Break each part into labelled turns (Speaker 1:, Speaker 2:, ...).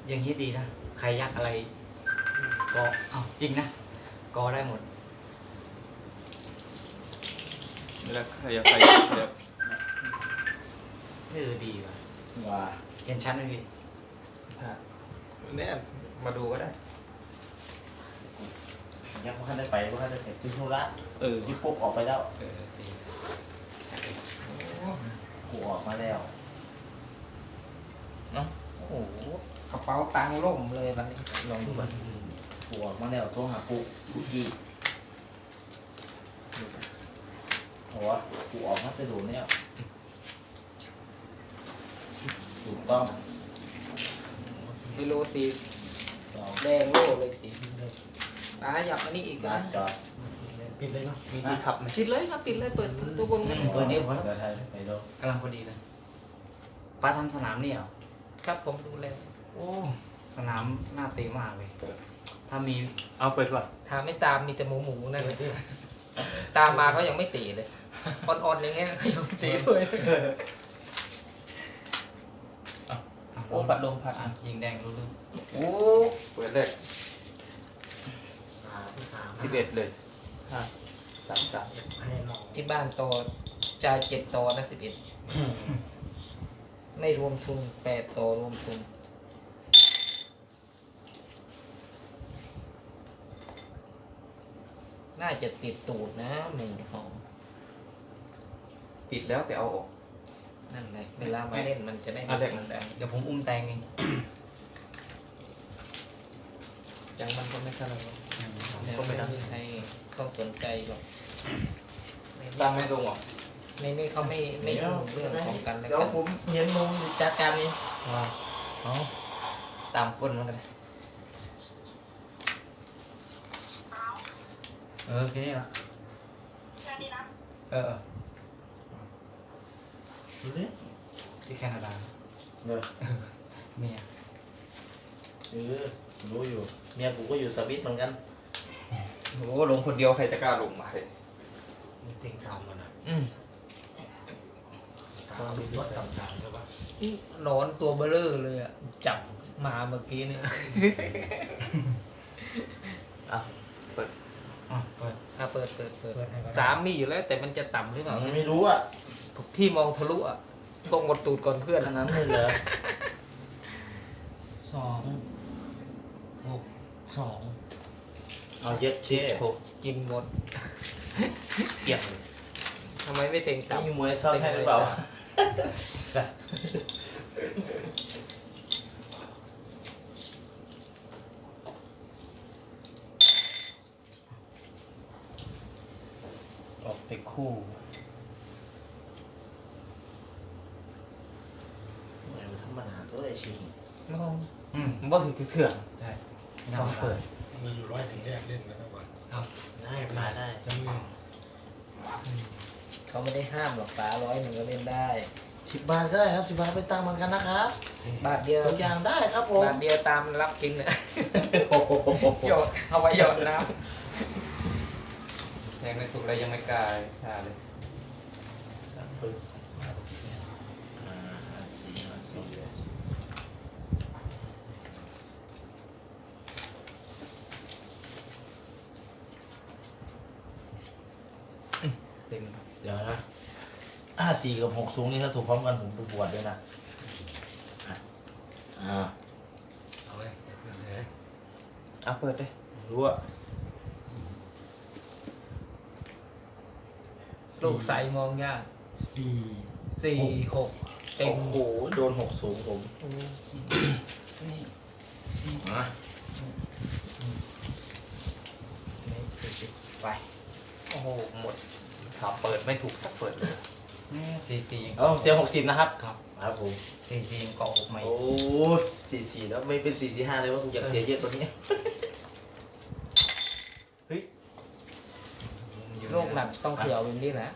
Speaker 1: อย่างนี้ดีนะใครยักอะไรก็จริงนะก็ได้หมด
Speaker 2: แล้วขยับ
Speaker 1: ดีว่ะ
Speaker 3: ว่า
Speaker 1: เห็นชั้นไหมพี่
Speaker 2: เนี่ยมาดูก็ได้
Speaker 3: ยังไม่ทันได้ไปไม่ทันได้เสร็จที่ธุระที่ปุ๊บออกไปแล้ว
Speaker 1: ดี
Speaker 3: กูออกมาแล้วเนาะโอ้โห
Speaker 4: กระเป๋าตังค์ล่มเลยวันนี้
Speaker 3: ลองดูก่อนกูออกมาแล้วโทรหาปุ๊ยี่โอ้ยกูออกมาจะดูเนี่ยถูกต้อง
Speaker 4: กิโลสี
Speaker 3: สอง
Speaker 4: แดงโล่เลยจีป้าอยากอันนี้อีก
Speaker 3: นั
Speaker 4: นะ
Speaker 3: ดจอด
Speaker 1: ปิดเลยเนาะมีที่ขับไหม
Speaker 4: ปิดเลยครับปิดเลยเปิดตัวบนกัน
Speaker 1: เปิดนี้พอแล้ว
Speaker 3: เดี๋ยวไทยไปดู
Speaker 1: กำลังพอดีเลยป้าทำสนามนี่เหรอ
Speaker 4: ครับผมดูแล
Speaker 1: โอ้สนามน่าตีมากเลยถ้ามีเอาเปิดก่อน
Speaker 4: ถ้าไม่ตามมีแต่หมูนั่นเลยตามมาเขายังไม่ตีเลยอ่อนๆอย่างเงี้ยเขายังตีด้วย
Speaker 2: โอ้พัดลมพัด
Speaker 1: ยิงแดงรู้เรื่อง
Speaker 2: โอ้เปิดเลย11เลย33
Speaker 4: ที่บ้านต่อจ่าย7ต่อนะ11ไม่รวมทุน8ต่อรวมทุนน่าจะติดตูดนะหมูหอม
Speaker 2: ปิดแล้วแต่เอาออก
Speaker 4: นั่นแหละเวลามาเล่นมันจะได้ไม่
Speaker 2: เอาเด็ก
Speaker 4: เสียงดัง
Speaker 1: เดี๋ยวผมอุ้มแตงเอง
Speaker 4: จังมันก็ไม่เท่าไหร่หรอกแต่
Speaker 2: ก็ไม่
Speaker 4: ไม่
Speaker 2: ได้
Speaker 4: มีใครต้องสนใจหรอก
Speaker 2: ตั้งไม่ลงหรอ
Speaker 4: ในนี้เขาไม่ยุ่งเรื่องของกันและ
Speaker 3: เดี๋ยว
Speaker 4: กัน
Speaker 3: ผมเห็นมึงจัดการเอง
Speaker 4: เอาตามก้นมันกันเลย
Speaker 1: โอเคละเออ
Speaker 3: ดูดิ
Speaker 1: ที่แคนาดา
Speaker 3: เดี๋ยว
Speaker 1: เมีย
Speaker 3: รู้อยู่เมียกูก็อยู่สวิตเหมือนกัน
Speaker 2: โอ้ลงคนเดียวใครจะกล้าลงมาเลย
Speaker 1: เต็งตามมันนะ
Speaker 3: ความมีรถต่างๆใช่ปะ
Speaker 4: นี่หนอนตัวเบลอเลยอ่ะจับมาเมื่อกี้เนี่ย
Speaker 1: อ่ะเปิด
Speaker 4: เปิดสามมีอยู่แล้วแต่มันจะต่ำหรือเปล่า
Speaker 3: ไม่รู้อ่ะ
Speaker 4: พี่มองทะลุอ่ะต้องกดตูดก่อนเพื่อน
Speaker 3: ขนาดนั้นเลยเหรอ
Speaker 1: 2
Speaker 3: เอาเย็ดเช่
Speaker 4: กินหมด
Speaker 1: เกี่ยวเลย
Speaker 4: ทำไมไม่เต็งต่ำ
Speaker 3: มีมวยซ่อนให้หรือเปล่า
Speaker 1: ออกไปคู่
Speaker 3: ธรรมดาตัวไอชิง
Speaker 1: มันว่าถือเถื่อนใช่ต้องเปิด
Speaker 5: มีอยู่100ถึงแรกเล่นแล้วก่อน
Speaker 3: ได้มาได้
Speaker 5: จะมี
Speaker 4: เขาไม่ได้ห้ามหรอกป้า100ก็เล่นได้
Speaker 3: 10 บาทก็ได้ครับ10 บาทไปตั้งเหมือนกันนะครับ
Speaker 4: บาทเดียว
Speaker 3: ทุกอย่างได้ครับผม
Speaker 4: บาทเดียวตามรับกินเนี่ย
Speaker 3: โอ้โห
Speaker 4: หยดเอาไว้หยดน้
Speaker 2: ยังไม่ถูกเลยยังไม่กล้าชาเลย
Speaker 1: เต็ม
Speaker 3: เดี๋ยวนะ54กับ6สูงนี่ถ้าถูกพร้อมกันผมไปบวชด้วยนะอ่า
Speaker 1: เอาเลย
Speaker 2: เอาเปิดเลย
Speaker 3: รู้อ่ะ
Speaker 4: ำลูกใสมองยาก
Speaker 5: 4
Speaker 4: 4 6เต็
Speaker 3: โอ้
Speaker 4: ม
Speaker 3: โหโดน6สูงผมมา
Speaker 1: นี่40ไป
Speaker 4: โอ้โหหมด
Speaker 2: ขับเปิดไม่ถูกสักเปิดเลย
Speaker 1: นี่44ยัง
Speaker 3: เอาผมเสีย60นะครับ
Speaker 1: ครับ
Speaker 3: ครับผม
Speaker 1: 44ยังเกาะ6ไม่
Speaker 3: โอ้44แล้วไม่เป็น445เลยว่าผมอยากเสียเยอะตัวนี้เฮ้ย
Speaker 4: โรคหนักต้องเขียวแบบนี้นะ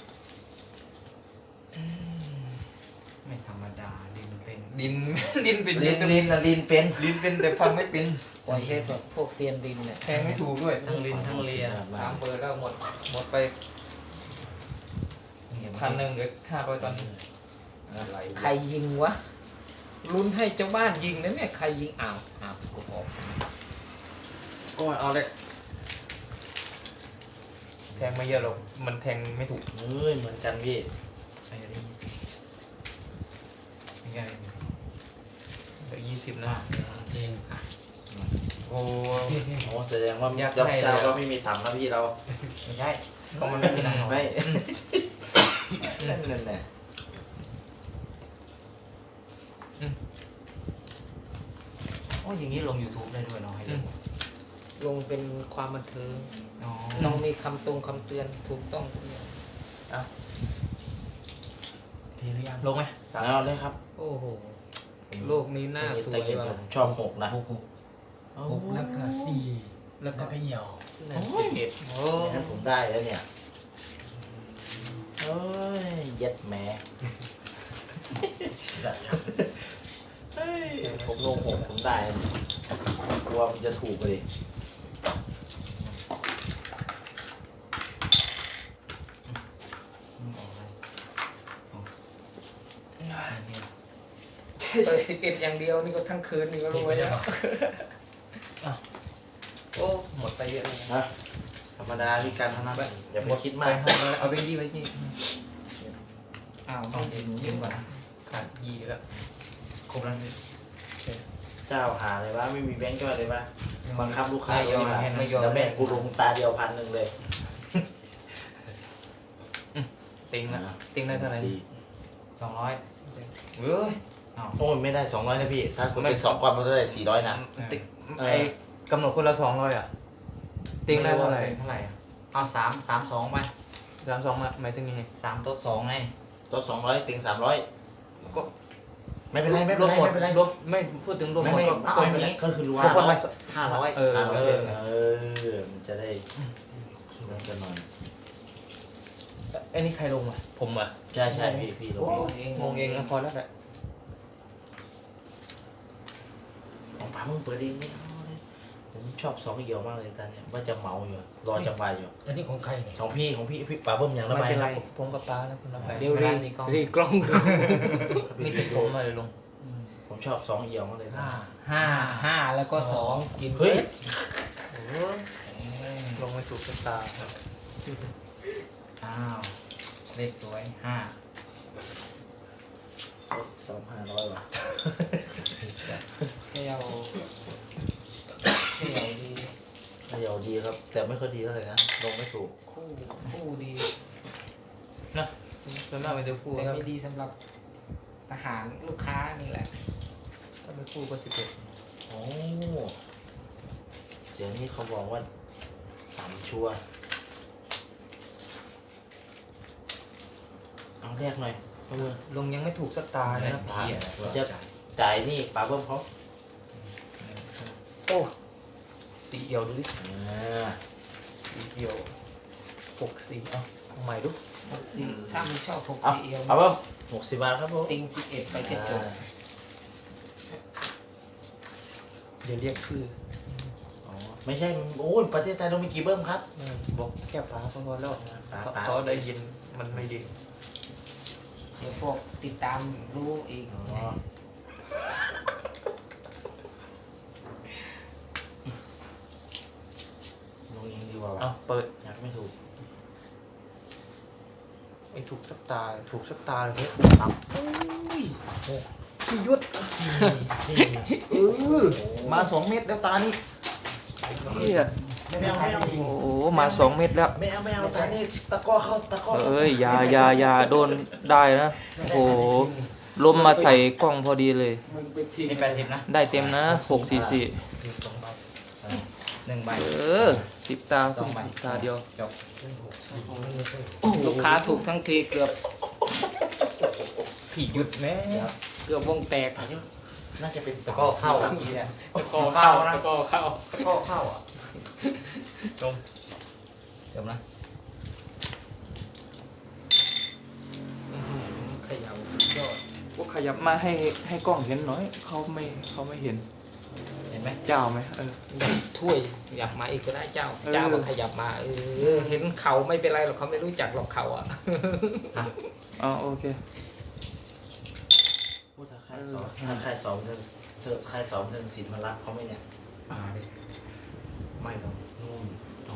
Speaker 1: ไม่ธรรมดาดินเป็น
Speaker 2: ดิน ดินเป็น
Speaker 3: ลินเป็น
Speaker 2: ดินเป็นแต่ฟังไม่เป็น
Speaker 4: ปล่อยให้แบบพวกเซียนดินเนี่ย
Speaker 2: แทงไม่ถูกด้วย
Speaker 1: ทั้งลินทั้งเลีย
Speaker 2: 3 เปิดแล้วหมดไป1,000เหลือ500ตอนนี้อะไร
Speaker 4: ใครยิงวะลุ้นให้เจ้าบ้านยิงนะเนี่ยใครยิงอ้าวกูออก
Speaker 2: ก็เอาเลยแทงไม่เยอะหรอกมันแทงไม่ถูก
Speaker 3: เฮ้ยเหมือนกันพี่
Speaker 1: ใครจะได้20ยังไง
Speaker 2: เหลือ20นะ
Speaker 5: จริง
Speaker 2: โอ้
Speaker 3: โอ้แสดงว่า
Speaker 2: อยาก
Speaker 3: เจ้า
Speaker 2: ให้
Speaker 3: เจ้า
Speaker 2: เลย
Speaker 3: ก็ไม่มีตังค์นะพี่เรา
Speaker 1: ไม่ใช่
Speaker 2: ก็มันไม่มี
Speaker 3: ไม่
Speaker 4: นั่นแหละ
Speaker 1: โอ้อย่างนี้ลง YouTube ได้ด้วยเนาะให้ดู
Speaker 4: ลงเป็นความบันเทิง
Speaker 1: อ๋อ
Speaker 4: น้องมีคำคำเตือนถูกต้องทุกอย่าง
Speaker 5: ทีหรือยัง
Speaker 1: ลงไหม
Speaker 3: เอาเลยครับ
Speaker 4: โอ้โหโลกนี้น่าสวยว่ะ
Speaker 3: ผมชอบหกนะ
Speaker 5: หกแล้วก็สี่
Speaker 4: แล้ว
Speaker 5: แล้ว
Speaker 4: ก็
Speaker 5: ก็เหี่ยว
Speaker 3: 11
Speaker 4: โอ้
Speaker 3: งั้นผมได้แล้วเนี่ยเอ้ยเย็ดแหมสัตว์เฮ้ยผมลงหกผมได้กลัวมันจะถูกเลย
Speaker 1: ออกเลยอ๋อเนี่ย
Speaker 4: เปิด11อย่างเดียวนี่ก็ทั้งคืนนี่ก็รวยแล้ว
Speaker 2: โอ้หมดไปเยอะเลย
Speaker 3: นะธรรมดาพี่การเท่านั้นอย่าไปคิด
Speaker 2: ไป
Speaker 3: มาก
Speaker 2: เอาไปยี่ไปยี่
Speaker 4: อ้าว
Speaker 1: เอา
Speaker 4: ไม่
Speaker 1: เดี๋
Speaker 4: ถึ
Speaker 1: ยว
Speaker 4: ง
Speaker 1: ยืมก่อนนะ
Speaker 2: ขาดยี่แล้ว
Speaker 1: ครบแล้วนี่
Speaker 3: เจ้าหาเลยวะไม่มีแบงค์ย่อยเลยวะบังคับลูกค้า
Speaker 1: ไม่ยอม
Speaker 3: ดีกว่า
Speaker 1: ไม่ยอม
Speaker 3: แล้วแม่งกูลงตาเดียว1,000เลย
Speaker 2: ติงนะติงได้เท่าไหร่
Speaker 3: สี่
Speaker 1: 200
Speaker 2: เฮ้ย
Speaker 3: โอ้ยไม่ได้200นะพี่ ถ้าคุณเป็น2ก้อนมันก็ได้400นะ
Speaker 2: ติงไอ้กำหนดคนละ200อ่ะติงได้เท่าไหร่
Speaker 1: เท่าไหร่อะเอา3 2ไป
Speaker 2: 32มาหมายถึงยังไง
Speaker 1: 3 ตัว 2ไง
Speaker 3: ตัว200ติง300
Speaker 2: ก็
Speaker 3: ไม่เป็นไรไม่
Speaker 2: ร
Speaker 3: เป็น
Speaker 2: วม
Speaker 3: ไร
Speaker 2: หมด
Speaker 3: ไม่เป็นไร
Speaker 2: รวมไม่พูดถึงรวม
Speaker 3: ไม่
Speaker 2: หมด
Speaker 3: ไม่
Speaker 2: ก็
Speaker 3: เอาอย่างนี้ก็คือรวม
Speaker 2: ทุกคนละ
Speaker 1: 500
Speaker 2: เออ
Speaker 3: มันจะได้มันจะนอน
Speaker 2: ไอ้นี่ใครลงอ่ะผมอ่ะ
Speaker 3: ใช่ใช่พี่ล
Speaker 4: โอ้
Speaker 3: ง
Speaker 4: เอง
Speaker 2: งงเองนะพอแล้วแหละ
Speaker 3: ของป๋ามึงเปิดเองไม่เอาเลยผมชอบ2เหี่ยวมากเลยตอนเนี้ยว่าจะเมาอยู่รอจังหวะอยู่
Speaker 5: อันนี้ของใครเนี่ย
Speaker 3: ของพี่ป๋าเบิ้มอย่างละ
Speaker 2: ไม่
Speaker 3: ใบ
Speaker 2: เป็น
Speaker 3: ค
Speaker 2: ไร
Speaker 3: รับ
Speaker 2: ผมกับป้าแล้วคุณรับไป
Speaker 4: เดี๋ยวรีกล้องดู
Speaker 2: มีติดผมมาเลยลง
Speaker 3: ผมชอบ2เหี่ยวมากเลยนะ
Speaker 5: ห้า
Speaker 4: 5แล้วก็2กิน
Speaker 3: เฮ้ย
Speaker 2: ลงไม่ถูกชะตาครับ
Speaker 1: อ้าวเลขสวย5
Speaker 3: 2,500ว่ะ
Speaker 4: เที่ยวดี
Speaker 3: เหี่ยวดีครับ แต่ไม่ค่อยดีเท่าไหร่นะลงไม่ถูก
Speaker 4: คู่ดี
Speaker 2: นะส่วนมากเป็นตัวผู้
Speaker 4: แต่
Speaker 2: ครับ
Speaker 4: ไม่ดีสำหรับทหารลูกค้านี่แหละ
Speaker 2: ถ้าเป็นคู่ก็11
Speaker 3: โอ้เสียงนี้เขาบอกว่าต่ำชัวร์เอาแรกหน่อยเอามือ
Speaker 2: ลงยังไม่ถูกสักตาเลยนะ
Speaker 3: ป๋าจะจ่ายนี่ป๋าเบิ้มเขา
Speaker 2: โอ้สีเอียวดูดิ
Speaker 3: อ่า
Speaker 2: สีเอียว64เอาใหม่ดู
Speaker 4: 64ถ้าไม่ชอบ
Speaker 3: เอา
Speaker 4: 64เอว
Speaker 3: ป๋าเบิ้ม60 บาทครับผม
Speaker 4: ติง11ไปแค่จบ
Speaker 2: เดี๋ยวเรียกชื่อ
Speaker 3: อ๋อไม่ใช่โอ้ยประเทศไทยเรามีกี่เบิ้มครับ
Speaker 2: บอกแค่ป้าก็พอแล้ว
Speaker 3: ป๋า
Speaker 2: เขาได้ยินมันไม่ดี
Speaker 4: เดี๋ยวพวกติดตามรู้อีก
Speaker 3: อ๋อลงเองดีกว่า
Speaker 2: เอา
Speaker 3: วะ
Speaker 2: เปิด
Speaker 3: อยากไม่ถูก
Speaker 2: ไม่ถูกสักตาถูกสักตาเลยเนี่ย
Speaker 5: พี่ยุทธ
Speaker 2: มา
Speaker 5: มา
Speaker 2: 2 เม็ดแล้วตานี่เฮีย
Speaker 3: ไม่เอาไม่เอา
Speaker 2: โอ้โหมา2 เม็ดแล้ว
Speaker 3: ไม่เอาแต่นี่ตะก้อเข้าตะก้อ
Speaker 2: เอ้ยอย่าโดนได้นะโอ้โหลมมาใส่กล้องพอดีเลย
Speaker 4: มึงไปพิม
Speaker 1: นี่
Speaker 4: พ์
Speaker 1: 80นะ
Speaker 2: ได้เต็มนะ644
Speaker 1: 1ใบ
Speaker 2: 10 ตา
Speaker 1: สองใบ
Speaker 2: ตาเดียว
Speaker 1: จบ
Speaker 4: ลูกค้าถูกทั้งทีเกือบ
Speaker 2: ผีหยุดแม่
Speaker 4: เกือบวงแตก
Speaker 3: น่าจะเป็น
Speaker 1: ตะก้อเข้าเมื่อกี้เนี่ย
Speaker 4: ตะกอเข้าตะกอเข้า
Speaker 1: ตะก้อเข้าอ่ะ
Speaker 2: จม
Speaker 1: จบนะ
Speaker 4: ขยับสุดยอด
Speaker 2: พวกขยับมาให้กล้องเห็นหน่อยเขาไม่เห็น
Speaker 1: เห็นไหม
Speaker 2: เจ้าไหม
Speaker 4: ถ้วยขยับมาอีกก็ได้เจ้า
Speaker 2: เออ
Speaker 4: เจ้าก็ขยับมาเห็นเขาไม่เป็นไรหรอกเขาไม่รู้จักหรอกเขาอ่ะ
Speaker 2: อ๋อโอเค
Speaker 3: พูดถ้าใครค่ายสอนถ้าค่ายสอนเธอค่ายสอนเธอศิลป์มารับเขาไหมเนี่ย
Speaker 1: มาดิไม่หรอก
Speaker 3: นู่น
Speaker 1: อ๋อ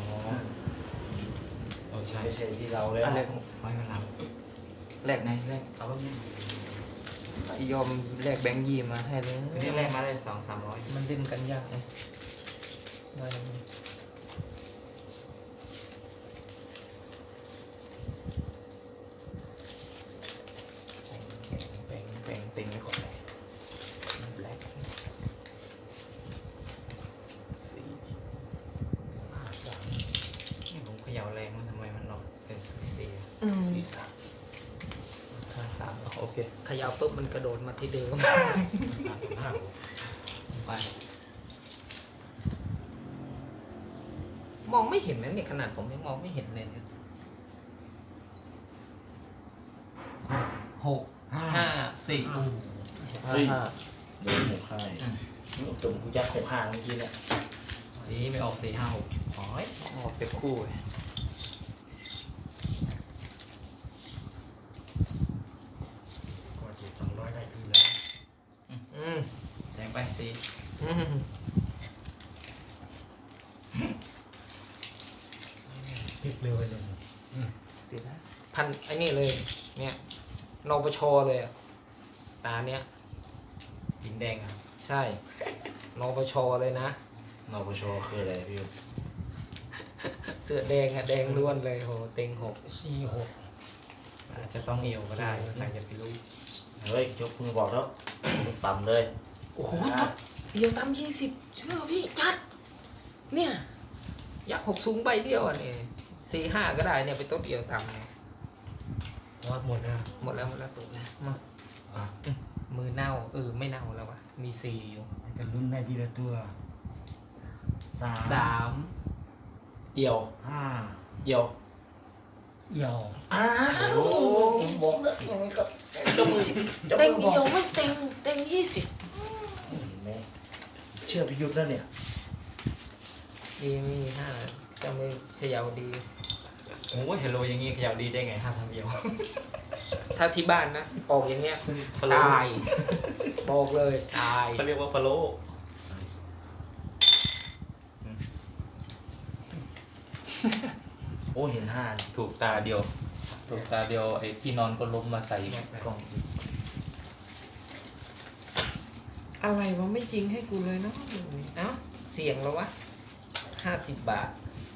Speaker 1: ใช่
Speaker 3: ไม่ใช่ที่เราเลย
Speaker 1: อันแรกไม่มารับแรกไหนแรกเอาไว้เนี่ย
Speaker 2: ยอมแลกแบงค์ยี่มาให้เลย
Speaker 1: คือที่แรกมาได้200-300
Speaker 2: มันเล่นกันยากนะได้ แบ่งติงไว้ก่อนเลยแบล็คสี่
Speaker 1: นี่ผมเขย่าแรงมันทำไมมันหลอกเป็น4
Speaker 3: สี่สาม
Speaker 2: ห้าสามโอเค
Speaker 4: เขย่าปุ๊บมันกระโดดมาที่เดิม
Speaker 5: ห้า
Speaker 1: ไป
Speaker 4: มองไม่เห็นนะเนี่ยขนาดผมยังมองไม่เห็นเลยเนี่ย6 5 4
Speaker 3: เฮ้ยเดินหกค่ายตุ่มกูยัดหกห้าเมื่อกี้เนี่ย
Speaker 1: นี่ไม่ออก4-5-6โอ้ย
Speaker 2: ออกเป็นคู่เลย
Speaker 5: กว่าจะ200ได้ทีแล้ว
Speaker 4: อืม
Speaker 1: แทงไป4
Speaker 4: อืม
Speaker 5: ติดเร็วเลย
Speaker 2: ติดนะ
Speaker 4: พันไอ้นี่เลย เนี่ยนปชเลยอะตาเนี้ย
Speaker 1: หินแดงอ่ะ
Speaker 4: ใช่นปชเลยนะ
Speaker 3: นปชคืออะไรพี่ยุทธ
Speaker 4: เสื้อแดงอะแดงล้วนเลยโหเต็ง
Speaker 5: 46
Speaker 1: อาจจะต้องเอวก็ได้ใครจะไปรู้
Speaker 3: เฮ้ยยกมือบอกแล้ว ต่ำเลย
Speaker 4: 6โอ้โหเดียวตาม20เชื่อพี่จัดเนี่ยยักษ์6สูงใบเดียวอ่ะนี่4-5ก็ได้เนี่ยไปต้นเดียวตามเนี่ย
Speaker 5: วัดหมดนะ
Speaker 4: หมดแล้วตัวนะ
Speaker 5: อ่ะ
Speaker 4: มือเน่าไม่เน่าแล้ววะมี4อยู่
Speaker 5: จะลุ้นได้ทีละตัว3
Speaker 4: 3
Speaker 3: เอี่ยว
Speaker 5: 5
Speaker 3: เอี่ยว
Speaker 5: เอี่ยว
Speaker 3: ผมบอกแล้วยังไงก็จะมือจะ
Speaker 4: เต็ง
Speaker 3: มือบอก
Speaker 4: เดียวไม่เต็ง
Speaker 3: แม่เชื่อพี่ยุทธแล้วเนี่ย
Speaker 4: ดีไม่มี5จะมือเขย่าดี
Speaker 1: โอ้ยเฮลโลอย่างงี้เขย่าดีได้ไง5-3เดียว
Speaker 4: ถ้าที่บ้านนะออกอย่างเงี้ย
Speaker 1: พะโล้
Speaker 4: ตายบอกเลยตาย
Speaker 1: เขาเรียกว่าพะโล้
Speaker 3: โอ้เห็นห้า
Speaker 2: ถูกตาเดียว ถูกตาเดียวไอ้ที่นอนก็ล้มมาใส่กล่อง
Speaker 4: อะไรวะไม่จริงให้กูเลยเนาะเอ้าเสี่ยงแล้ววะ50 บาท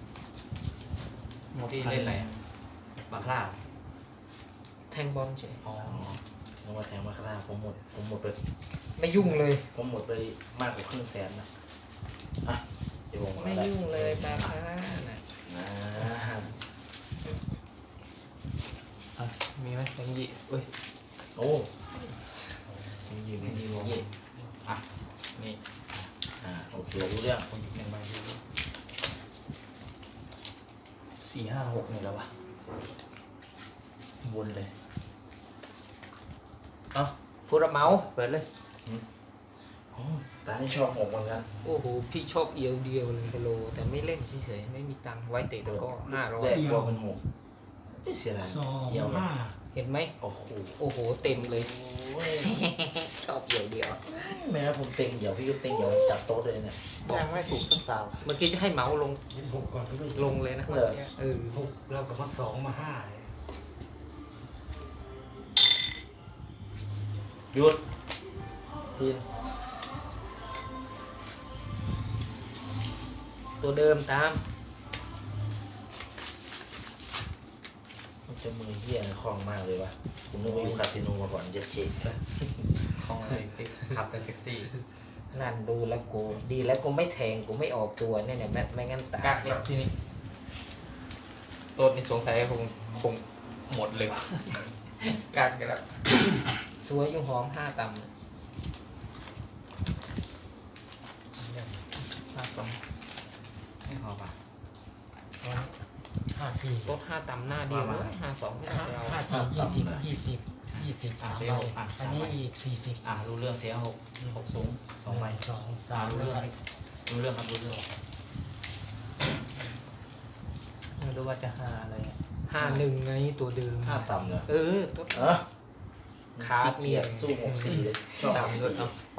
Speaker 1: ที่เล่นอะไรบาคลา
Speaker 4: แทงบอลเฉย
Speaker 1: อ๋อ
Speaker 3: น้องมาแทงมาคาราผมหมดไป
Speaker 4: ไม่ยุ่งเลย
Speaker 3: ผมหมดไปมากกว่าครึ่งแสนนะอ่ะเดี๋ยวผม
Speaker 4: ไม่ยุ่งเลยบาคาร่าน่ะ
Speaker 3: นะ
Speaker 2: อ่ะมีไหมแบงค์ยี่เอ้ย
Speaker 3: โอ้มีอยู่ในนี้มี
Speaker 1: อ่ะนี่
Speaker 3: โอเครู้เรื่อง
Speaker 1: คนหยิบ1 ใบดู
Speaker 2: 4 5 6นี่แล้ววะวนเลยเอ้า
Speaker 4: ผู้รับเหมา
Speaker 2: เปิดเลย
Speaker 3: โอ้ตาที่ชอบผมเหมือนกัน
Speaker 4: โอ้โหพี่ชอบเอียวเดียวเลยฮัลโหลแต่ไม่เล่นเฉยๆไม่มีตังค์ไว้เตะตะกร้อ
Speaker 3: แรก
Speaker 4: 500
Speaker 3: กลัวเป็นหกไม่เสียดายเยี่ยมเลย
Speaker 5: 2
Speaker 4: เห็นไหม
Speaker 3: โอ้โห
Speaker 4: โอ้โหเต็มเลย
Speaker 3: โอ้ย
Speaker 4: ชอบเอียวเดียว
Speaker 3: แม้ผมเต็งเดี๋ยวพี่ก็เต็งเดี๋ยวจับโต๊ะเลยเนี่ย
Speaker 2: ยังไม่ถูกสักตา
Speaker 4: เมื่อกี้จะให้เหมาลง
Speaker 5: 26ก่อนก็ไม่
Speaker 4: ลงเลยนะเมื่อกี้
Speaker 5: 6แล้วก็มา2มา5เลย
Speaker 3: หยุดทีน
Speaker 4: ตัวเดิมตาม
Speaker 3: มันจะมือเหี้ยนะคล่องมากเลยวะผมนึกว่าอยู่คาสิโนมาก่อนจะเช็ค
Speaker 1: ของอะไรติดขับแต่แท็กซี่
Speaker 4: นั่นดูแล้วกูดีแล้วกูไม่แทงกูไม่ออกตัวเนี่ยไม่งั้นตาย
Speaker 2: กักแล้วที่นี่ต้นนี่สงสัยคงหมดเลย กักกันแล้ว
Speaker 4: สวยอยู่หอม5 ต่ำ
Speaker 2: 52
Speaker 1: ไม่พอป่ะ
Speaker 5: 54
Speaker 4: โต๊ะ5 ต่ำหน้าเดียวเลย52ไม่ต้องไปเอา
Speaker 5: 20 3ใบอันนี้อีก40
Speaker 1: รู้เรื่องเสีย6สูง2 ใบ
Speaker 5: 2 3
Speaker 1: รู้เรื่องครับรู้เรื่อง
Speaker 2: ไม่รู้ว่าจะหาอะไรอะ
Speaker 4: 51ไงตัวเดิม
Speaker 3: ห้าต่ำเลย
Speaker 4: ตัว
Speaker 3: เออ
Speaker 4: คาร์ด
Speaker 3: เกี
Speaker 4: เนี่ย
Speaker 3: ยสู้64เลยชอบ
Speaker 2: ตามด้วย
Speaker 3: 64
Speaker 2: เอาไป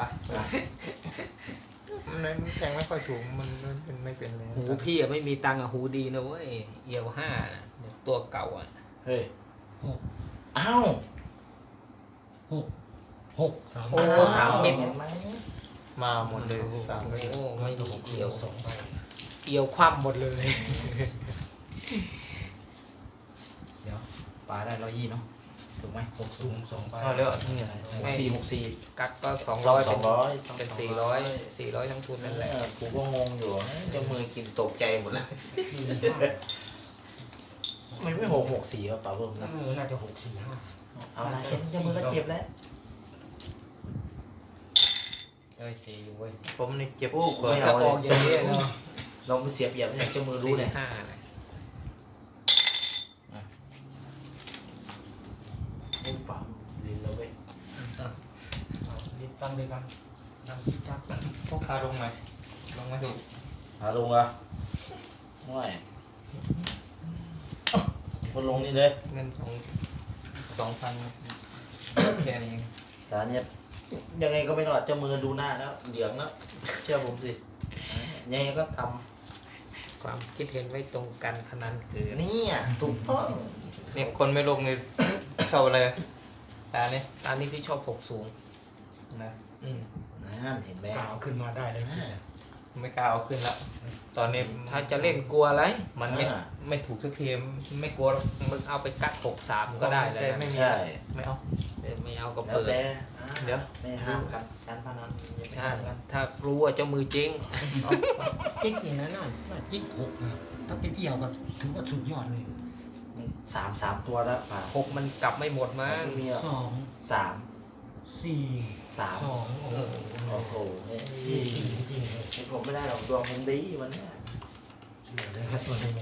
Speaker 2: มันแทงไม่ค่อยถูกมันไม่เป็นเลย
Speaker 4: หูพี่อะไม่มีตังค์อะหูดีนะเว้ยเอียวห้าน่ะตัวเก่าอ่ะ
Speaker 3: เฮ้ย
Speaker 5: หก
Speaker 3: อ้าว
Speaker 5: หกหกสาม
Speaker 4: โอ้สามเม็ด
Speaker 3: ห็นไหม
Speaker 2: มาหมดเลย
Speaker 4: โอ้
Speaker 2: สามเม็ด
Speaker 4: ไม่มีเอียว
Speaker 5: สองใบ
Speaker 4: เอียวคว่ำหมดเลย
Speaker 1: เดี๋ยวปลาได้120เนาะถูกไหม
Speaker 5: หกสูงสองใบ
Speaker 2: เอาเร็วนี่อะไร
Speaker 3: 64
Speaker 4: กักก็
Speaker 3: 200
Speaker 4: 200เป็น
Speaker 3: 200
Speaker 4: เป็น400ทั้งทุนนั่นแหละ
Speaker 3: กูก็งงอยู่เจะมือกินตกใจหมดเลย ไม่664ก็เปล่าเพิ่มนะ
Speaker 5: น่าจะหกสี่ห้า
Speaker 3: เอาละเห็นเจะมือก็เจ็บแล้ว
Speaker 4: เอ้ยสีอยู่เว้ย
Speaker 2: ผมนี่เก็บ
Speaker 3: โอ้
Speaker 2: เปิด
Speaker 3: ไม่
Speaker 4: กระ
Speaker 3: เอา
Speaker 4: บ
Speaker 3: เล
Speaker 4: อกอย่างนี้เนาะ
Speaker 3: เราไม่เสียเปรียบเนี่ยเจ้ามือรู้เนี่ย
Speaker 4: ห้าเลย
Speaker 3: โอ้เปล่าลิ้นแล้วเว้ย
Speaker 5: เอารีบตั้งเลยกันตั้งที่จับ
Speaker 2: พวกคาลงไหมลงไม่ถูก
Speaker 3: หาลงเหรอ่ะไม่มันลงนี่เลย
Speaker 2: เงิน2,000แค่นี้เอง
Speaker 3: แต่อันเนี้ยยังไงก็ไม่รอดเจ้ามือดูหน้าแล้วเหลืองแล้วเชื่อผมสิยังไงก็ท
Speaker 4: ความคิดเห็นไว้ตรงกันพนันเกิน
Speaker 3: ำนี่ถูกต้อง
Speaker 2: เนี่ยคนไม่ลงนี่ชอบอะไรตาเนี่ย
Speaker 4: ตอนนี้พี่ชอบหกสูง
Speaker 2: นะ
Speaker 3: นั่นเห็นไหม
Speaker 5: กล่าวขึ้นมาได้เลยคิด
Speaker 2: ไม่กล้าเอาขึ้นละตอนนี้
Speaker 4: ถ้าจะเล่นกลัวอะไร
Speaker 2: มันไม่ถูกสักทีไม่กลัวหรอก
Speaker 4: มึงเอาไปกัก63ก็ได้แล้ว
Speaker 2: ไม่
Speaker 4: นะ
Speaker 2: มี
Speaker 3: ใช่
Speaker 2: ไม่เอา
Speaker 4: ไม่เอาก็
Speaker 3: แล้ว
Speaker 4: เปิด
Speaker 3: แต่
Speaker 2: เดี๋ยว
Speaker 3: ไม่ห้ามกันการพนันอย่าไป
Speaker 4: ใช่
Speaker 3: ห้ามกัน
Speaker 4: ถ้ารู้ว่าเจ้ามือจริง
Speaker 5: จิ๊กนี่นะน่าจิ๊กหกนะถ้าเป็นเอี่ยวก็ถือว่าสุดยอดเลย
Speaker 3: สามตัวแล้วป่า
Speaker 4: 6มันกลับไม่หมดมั้ง
Speaker 3: ไม่มีหรอก
Speaker 5: สอง
Speaker 3: สาม
Speaker 5: สี่
Speaker 3: สาม
Speaker 5: สองโอ้โห
Speaker 3: โอ้โหเฮ้ย
Speaker 5: จริงจริงๆเลย
Speaker 3: ผมไม่ได้หรอกดวงผมดีวันเนี้ย
Speaker 5: เชื่อเลยครับตัวนี้